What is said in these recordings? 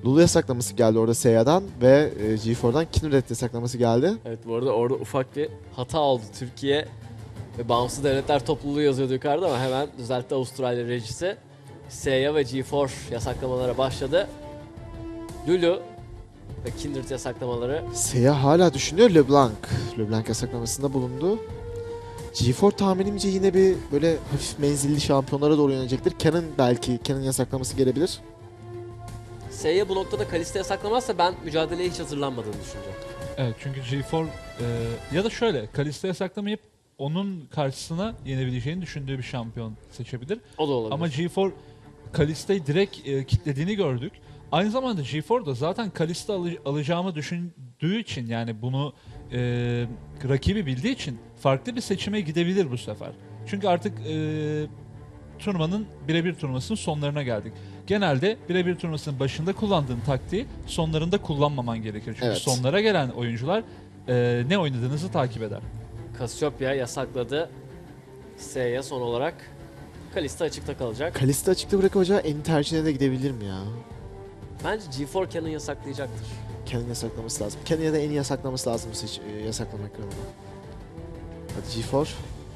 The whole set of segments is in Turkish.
Lulu yasaklaması geldi orada Seiya'dan ve G4'dan Kindred yasaklaması geldi. Evet, bu arada orada ufak bir hata oldu. Türkiye ve Bağımsız Devletler Topluluğu yazıyordu yukarıda ama hemen düzeltti Avustralya rejisi. Seiya ve G4 yasaklamalara başladı. Lulu ve Kindred yasaklamaları. Seiya hala düşünüyor LeBlanc. LeBlanc yasaklamasında bulundu. G4 tahminimce yine bir böyle hafif menzilli şampiyonlara doğru yönelecektir. Canon yasaklaması gelebilir. Seiya bu noktada Kalista yasaklamazsa ben mücadeleye hiç hazırlanmadığını düşüneceğim. Evet, çünkü G4 ya da şöyle Kalista yasaklamayıp onun karşısına yenebileceğini düşündüğü bir şampiyon seçebilir. O da olabilir. Ama G4 Kalista'yı direkt kitlediğini gördük. Aynı zamanda G4 da zaten Kalista alacağımı düşündüğü için, yani bunu rakibi bildiği için farklı bir seçime gidebilir bu sefer. Çünkü artık turnuvanın birebir turnuvasının sonlarına geldik. Genelde birebir turnuvasının başında kullandığın taktiği sonlarında kullanmaman gerekir. Çünkü Evet. sonlara gelen oyuncular ne oynadığınızı takip eder. Cassiopeia yasakladı. Seiya son olarak. Kalista açıkta kalacak. Kalista açıkta bırakacağı en tercihine de gidebilir mi ya? Bence G4 Canon yasaklayacaktır. Canon yasaklaması lazım. Canon ya da en iyi yasaklaması lazım yasaklama ekranına. Hadi G4.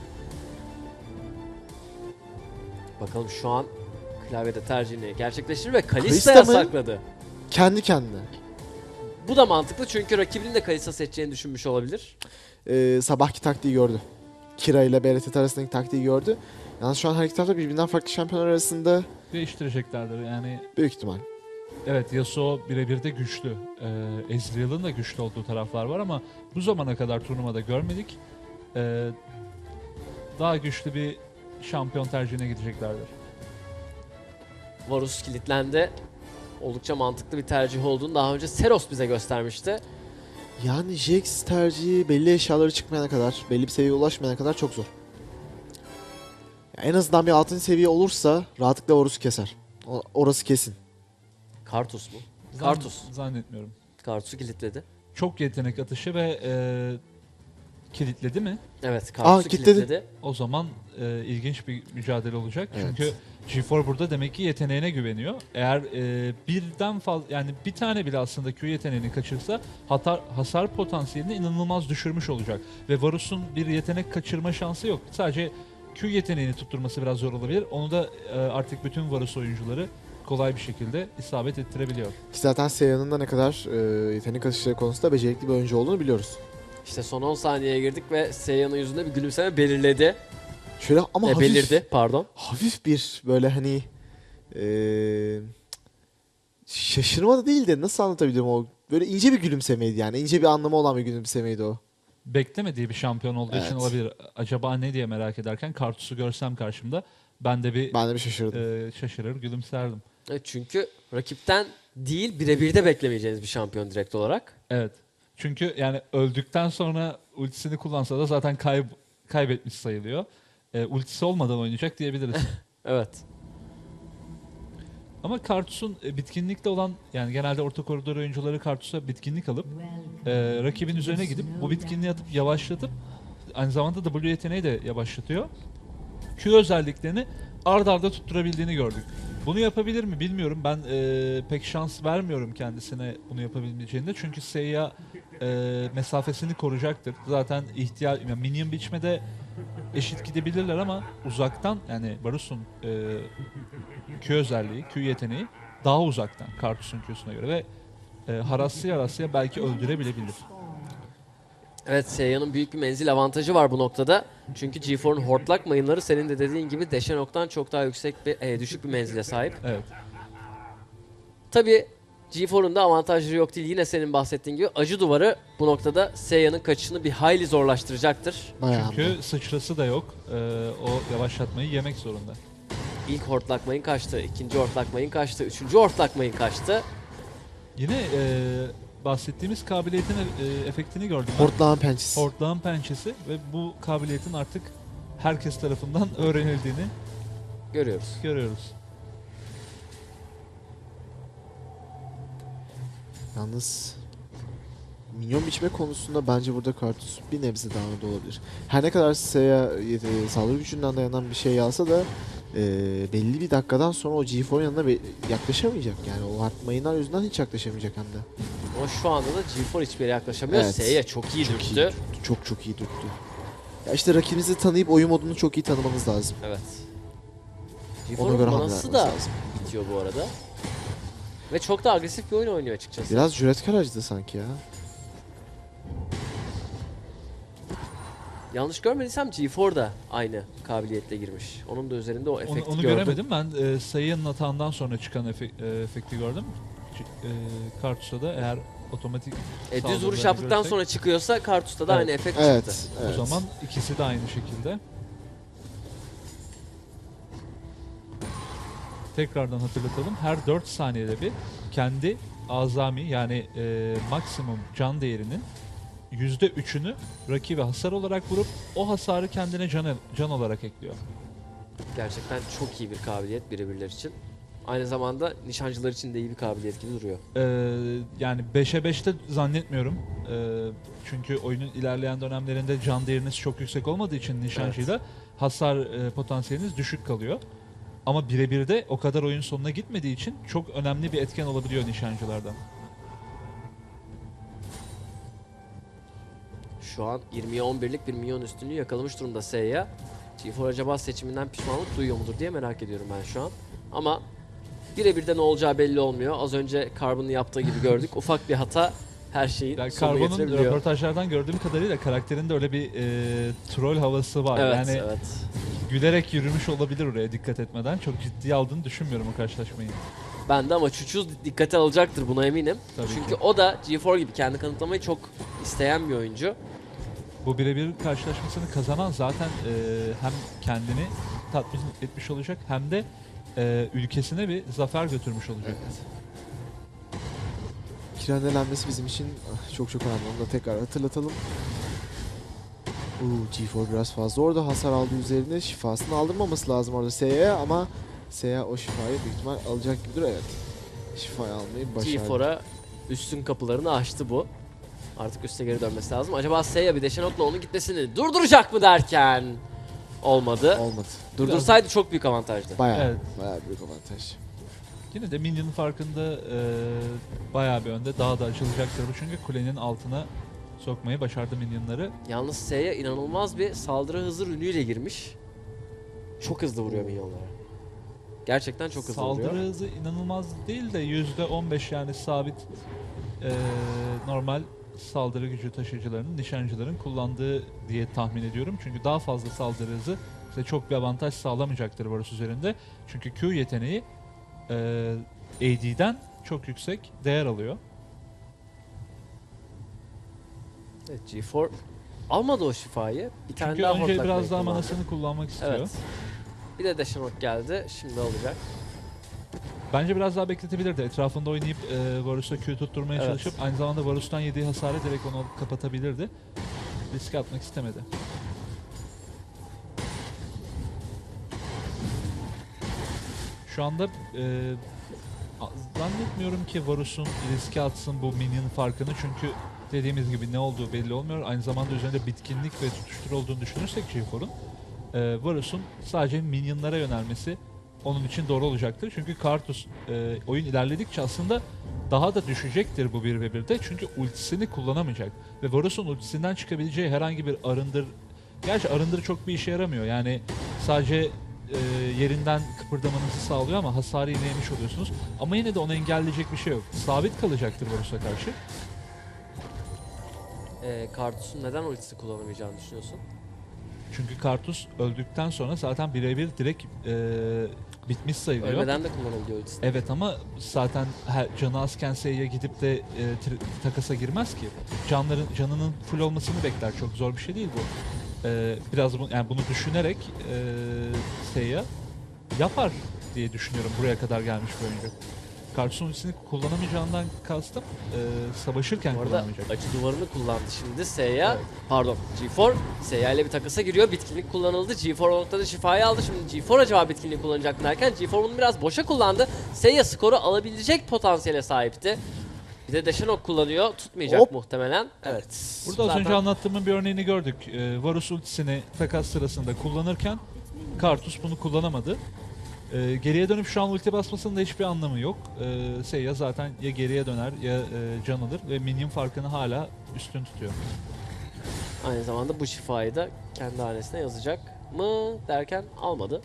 Bakalım şu an klavyede tercihini gerçekleştirir ve Kalista Kalista mı? yasakladı. Kendi kendine. Bu da mantıklı çünkü rakibinin de Kalista seçeceğini düşünmüş olabilir. Sabahki taktiği gördü. Kira ile BRTT arasındaki taktiği gördü. Yalnız şu an her iki tarafta birbirinden farklı şampiyonlar arasında Değiştireceklerdir yani. büyük ihtimal. Evet, Yasuo birebir de güçlü. Ezreal'ın da güçlü olduğu taraflar var ama bu zamana kadar turnuvada görmedik. Daha güçlü bir şampiyon tercihine gideceklerdir. Varus kilitlendi. Oldukça mantıklı bir tercih olduğunu daha önce Seros bize göstermişti. Yani Jax tercihi belli eşyaları çıkmayana kadar, belli bir seviyeye ulaşmayana kadar çok zor. Ya en azından bir 6. seviye olursa rahatlıkla Horus'u keser. Orası kesin. Kartus mu? Kartus. Zannetmiyorum. Kartus'u kilitledi. Çok yetenek atışı ve kilitledi mi? Evet, Kartus'u kilitledi. kilitledi. O zaman ilginç bir mücadele olacak. Evet. Çünkü G4 burada demek ki yeteneğine güveniyor. Eğer birden fazla, yani bir tane bile aslında Q yeteneğini kaçırsa hasar potansiyelini inanılmaz düşürmüş olacak. Ve Varus'un bir yetenek kaçırma şansı yok. Sadece Q yeteneğini tutturması biraz zor olabilir. Onu da artık bütün Varus oyuncuları kolay bir şekilde isabet ettirebiliyor. Ki zaten Seiya'nın da ne kadar yetenek atışları konusunda becerikli bir oyuncu olduğunu biliyoruz. İşte son 10 saniyeye girdik ve Seiyan'ın yüzünde bir gülümseme belirledi. Şöyle ama hafif, Belirdi, pardon. hafif bir böyle hani şaşırma da değil de nasıl anlatabilirim o böyle ince bir gülümsemeydi yani ince bir anlamı olan bir gülümsemeydi o. Beklemediği bir şampiyon olduğu için Evet. olabilir. Acaba ne diye merak ederken Kartus'u görsem karşımda ben de bir Ben de bir şaşırdım. şaşırır, gülümserdim. Evet, çünkü rakipten değil birebir de beklemeyeceğiniz bir şampiyon direkt olarak. Evet. Çünkü yani öldükten sonra ultisini kullansa da zaten kaybetmiş sayılıyor. Ultisi olmadan oynayacak diyebiliriz. Evet. Ama Kartus'un bitkinlikle olan, yani genelde orta koridor oyuncuları Kartus'a bitkinlik alıp rakibin üzerine gidip bu bitkinliği atıp yavaşlatıp aynı zamanda W yeteneği de yavaşlatıyor. Q özelliklerini ard arda tutturabildiğini gördük. Bunu yapabilir mi bilmiyorum. Ben pek şans vermiyorum kendisine bunu yapabileceğinde. Çünkü Seiya mesafesini koruyacaktır. Zaten yani minyon biçmede eşit gidebilirler ama uzaktan, yani Varus'un Q özelliği, Q yeteneği daha uzaktan Kartus'un Q'suna göre ve haraslaya belki öldürebilebilir. Evet, Seiyan'ın büyük bir menzil avantajı var bu noktada. Çünkü G4'un hortlak mayınları senin de dediğin gibi Deşenok'tan çok daha düşük bir menzile sahip. Evet. Tabii G4'un da avantajları yok değil. Yine senin bahsettiğin gibi acı duvarı bu noktada Seiyan'ın kaçışını bir hayli zorlaştıracaktır. Bayağı Çünkü sıçrası da yok. O yavaşlatmayı yemek zorunda. İlk hortlak mayın kaçtı, ikinci hortlak mayın kaçtı, üçüncü hortlak mayın kaçtı. Yine bahsettiğimiz kabiliyetin efektini gördüm ben. Hortlağın pençesi. Hortlağın pençesi ve bu kabiliyetin artık herkes tarafından öğrenildiğini Görüyoruz. görüyoruz. Yalnız minyon biçme konusunda bence burada Kartus bir nebze daha önde olabilir. Her ne kadar Seiya saldırı gücünden dayanan bir şey alsa da belli bir dakikadan sonra o G4'un yanına yaklaşamayacak. Yani o hard mayınlar yüzünden hiç yaklaşamayacak hem de. Ama şu anda da G4 hiçbir yere yaklaşamıyor. Evet. Seiya çok iyi Çok dürttü. Çok iyi dürttü. Ya işte rakibinizi tanıyıp oyun modunu çok iyi tanımanız lazım. Evet. Ona G4'un göre hamle manası yapmanız da lazım. bitiyor bu arada. Ve çok da agresif bir oyun oynuyor açıkçası. Biraz cüretkar acıdı sanki ya. Yanlış görmediysem G4 da aynı kabiliyetle girmiş. Onun da üzerinde o efekti Onu gördüm. göremedim. Ben Seia'nın atağından sonra çıkan efekti gördüm. Kartus'a da eğer otomatik Düz saldırılarını vuruş yaptıktan görsek, sonra çıkıyorsa Kartus'ta da Evet. aynı efekt Evet. çıktı. evet. o zaman ikisi de aynı şekilde. Tekrardan hatırlatalım. Her 4 saniyede bir kendi azami yani maksimum can değerinin %3'ünü rakibe hasar olarak vurup o hasarı kendine can olarak ekliyor. Gerçekten çok iyi bir kabiliyet birebirler için. Aynı zamanda nişancılar için de iyi bir kabiliyet gibi duruyor. Yani 5'e 5'te zannetmiyorum. Çünkü oyunun ilerleyen dönemlerinde can değeriniz çok yüksek olmadığı için nişancıyla hasar potansiyeliniz düşük kalıyor. Ama birebir de o kadar oyun sonuna gitmediği için çok önemli bir etken olabiliyor nişancılardan. Şu an 20'ye 11'lik bir milyon üstünlüğü yakalamış durumda Seiya. G4 acaba seçiminden pişmanlık duyuyor mudur diye merak ediyorum ben şu an. Ama birebir de ne olacağı belli olmuyor. Az önce Carbon'un yaptığı gibi gördük. Ufak bir hata her şeyi Yani sonuna Carbon'un getirebiliyor. röportajlardan gördüğüm kadarıyla karakterinde öyle bir troll havası var. Evet, Yani evet. gülerek yürümüş olabilir oraya dikkat etmeden. Çok ciddiye aldığını düşünmüyorum o karşılaşmayı. Ben de ama Çuçuz dikkate alacaktır buna eminim. Tabii Çünkü ki. o da G4 gibi kendi kanıtlamayı çok isteyen bir oyuncu. Bu birebir karşılaşmasını kazanan zaten hem kendini tatmin etmiş olacak hem de ülkesine bir zafer götürmüş olacak. Kirendelenmesi bizim için çok önemli. Onu da tekrar hatırlatalım. G4 biraz fazla orada hasar aldı üzerine. Şifasını aldırmaması lazım orada Seiya'ya ama Seiya o şifayı büyük ihtimal alacak gibidir. Evet. Şifayı almayı başardı. G4'a üstün kapılarını açtı bu. Artık üste geri dönmesi lazım. Acaba Seiya bir de Shenok'la onun gitmesini durduracak mı derken olmadı. Olmadı. Durdursaydı çok büyük avantajdı. Bayağı, Evet. bayağı büyük avantaj. Yine de Minion'un farkında bayağı bir önde. Daha da açılacaktır bu çünkü kulenin altına sokmayı başardı Minion'ları. Yalnız Seiya inanılmaz bir saldırı hızı rünüyle girmiş. Çok hızlı vuruyor minyonlara. Gerçekten çok hızlı vuruyor. Saldırı hızı inanılmaz değil de %15 yani sabit normal saldırı gücü taşıyıcılarının, nişancıların kullandığı diye tahmin ediyorum. Çünkü daha fazla saldırı hızı size çok bir avantaj sağlamayacaktır Varus üzerinde. Çünkü Q yeteneği AD'den çok yüksek değer alıyor. Evet, G4 almadı o şifayı. Bir tane Çünkü daha önce hortlak biraz belki daha kullandı. manasını kullanmak istiyor. Evet. Bir de Shenok geldi. Şimdi alacak. Bence biraz daha bekletebilirdi. Etrafında oynayıp Varus'a Q tutturmaya Evet. çalışıp aynı zamanda Varus'tan yediği hasarı direkt onu kapatabilirdi. Riske atmak istemedi. Şu anda zannetmiyorum ki Varus'un riske atsın bu minyon farkını çünkü dediğimiz gibi ne olduğu belli olmuyor. Aynı zamanda üzerinde bitkinlik ve tutuştur olduğunu düşünürsek G4'un Varus'un sadece minyonlara yönelmesi onun için doğru olacaktır. Çünkü Karthus oyun ilerledikçe aslında daha da düşecektir bu 1v1'de. Çünkü ultisini kullanamayacak. Ve Varus'un ultisinden çıkabileceği herhangi bir arındır... Gerçi arındır çok bir işe yaramıyor. Yani sadece yerinden kıpırdamanızı sağlıyor ama hasarı yine yemiş oluyorsunuz. Ama yine de onu engelleyecek bir şey yok. Sabit kalacaktır Varus'a karşı. Kartus'un neden ultisi kullanamayacağını düşünüyorsun? Çünkü Karthus öldükten sonra zaten birebir direkt bitmiş sayılıyor. Ölmeden de kullanabiliyor ultisini. Evet ama zaten canı azken Seiya gidip de takasa girmez ki. Canının full olmasını bekler. Çok zor bir şey değil bu. Biraz yani bunu düşünerek Seiya yapar diye düşünüyorum buraya kadar gelmiş bir oyuncu. Karthus'un ultisini kullanamayacağından kastım savaşırken Bu arada kullanamayacak. acı duvarını kullandı şimdi Seiya. Evet. Pardon G4 Seiya ile bir takasa giriyor. Bitkinlik kullanıldı. G4 o noktada şifayı aldı. Şimdi G4 acaba bitkinliği kullanacak mı derken G4 bunu biraz boşa kullandı. Seiya skoru alabilecek potansiyele sahipti. Bir de Shenok kullanıyor. Tutmayacak Hop. muhtemelen. Evet. Burada az Zaten önce anlattığımın bir örneğini gördük. Varus ultisini takas sırasında kullanırken Karthus bunu kullanamadı. Geriye dönüp şu an ulti basmasının da hiçbir anlamı yok. Seiya zaten ya geriye döner ya can alır ve minyon farkını hala üstün tutuyor. Aynı zamanda bu şifayı da kendi hanesine yazacak mı derken almadı.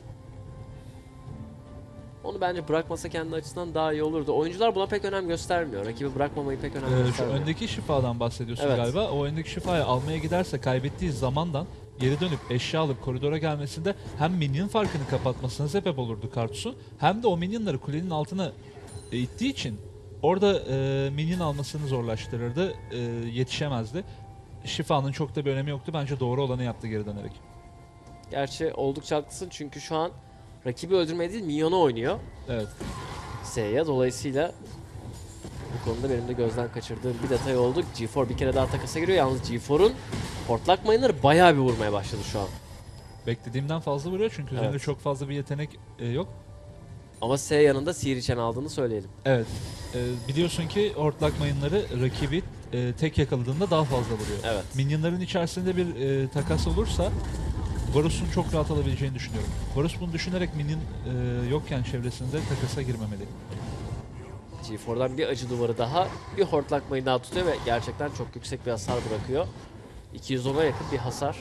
Onu bence bırakmasa kendi açısından daha iyi olurdu. Oyuncular buna pek önem göstermiyor. Rakibi bırakmamayı pek önem Şu göstermiyor. öndeki şifadan bahsediyorsun Evet. galiba. O öndeki şifayı almaya giderse kaybettiği zamandan geri dönüp eşya alıp koridora gelmesinde hem minyon farkını kapatmasına sebep olurdu Kartus'un, hem de o minyonları kulenin altına ittiği için orada minyon almasını zorlaştırırdı, yetişemezdi. Şifanın çok da bir önemi yoktu. Bence doğru olanı yaptı geri dönerek. Gerçi oldukça haklısın çünkü şu an rakibi öldürmeye değil minyonu oynuyor. Evet. Seiya dolayısıyla bu konuda benim de gözden kaçırdığım bir detay oldu. G4 bir kere daha takasa giriyor. Yalnız G4'un hortlak mayınları bayağı bir vurmaya başladı şu an. Beklediğimden fazla vuruyor çünkü üzerinde Evet. çok fazla bir yetenek yok. Ama Seiya'nın da sihir içen aldığını söyleyelim. Evet. Biliyorsun ki hortlak mayınları rakibi tek yakaladığında daha fazla vuruyor. Evet. Minyonların içerisinde bir takas olursa Varus'un çok rahat alabileceğini düşünüyorum. Varus bunu düşünerek minyon yokken çevresinde takasa girmemeli. G4'dan bir acı duvarı daha, bir hortlak mayını daha tutuyor ve gerçekten çok yüksek bir hasar bırakıyor. 210'a yakın bir hasar.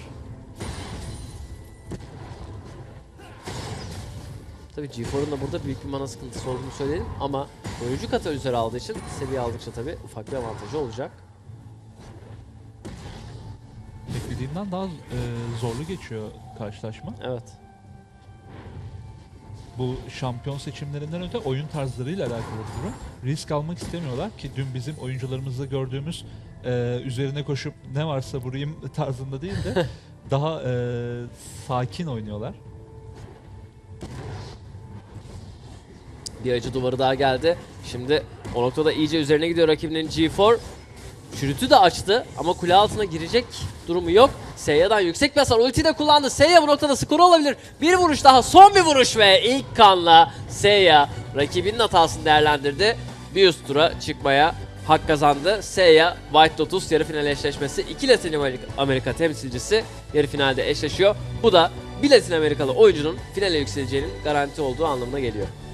Tabii G4'un da burada büyük bir mana sıkıntısı olduğunu söyleyelim ama oyuncu katalizör aldığı için seviye aldıkça tabii ufak bir avantajı olacak. Beklediğimden daha zorlu geçiyor karşılaşma. Evet. Bu şampiyon seçimlerinden öte oyun tarzlarıyla alakalı bir durum. Risk almak istemiyorlar ki dün bizim oyuncularımızda gördüğümüz üzerine koşup ne varsa vurayım tarzında değil de daha sakin oynuyorlar. Bir acı duvarı daha geldi. Şimdi o noktada iyice üzerine gidiyor rakibinin G4. Çürütü de açtı ama kule altına girecek durumu yok. Seiya'dan yüksek bir hasar. Ulti de kullandı. Seiya bu noktada skoru olabilir. Bir vuruş daha. Son bir vuruş ve ilk kanla Seiya rakibinin hatasını değerlendirdi. Bir üst tura çıkmaya hak kazandı. Seiya White Lotus yarı final eşleşmesi. 2 Latin Amerika temsilcisi yarı finalde eşleşiyor. Bu da bir Latin Amerikalı oyuncunun finale yükseleceğinin garanti olduğu anlamına geliyor.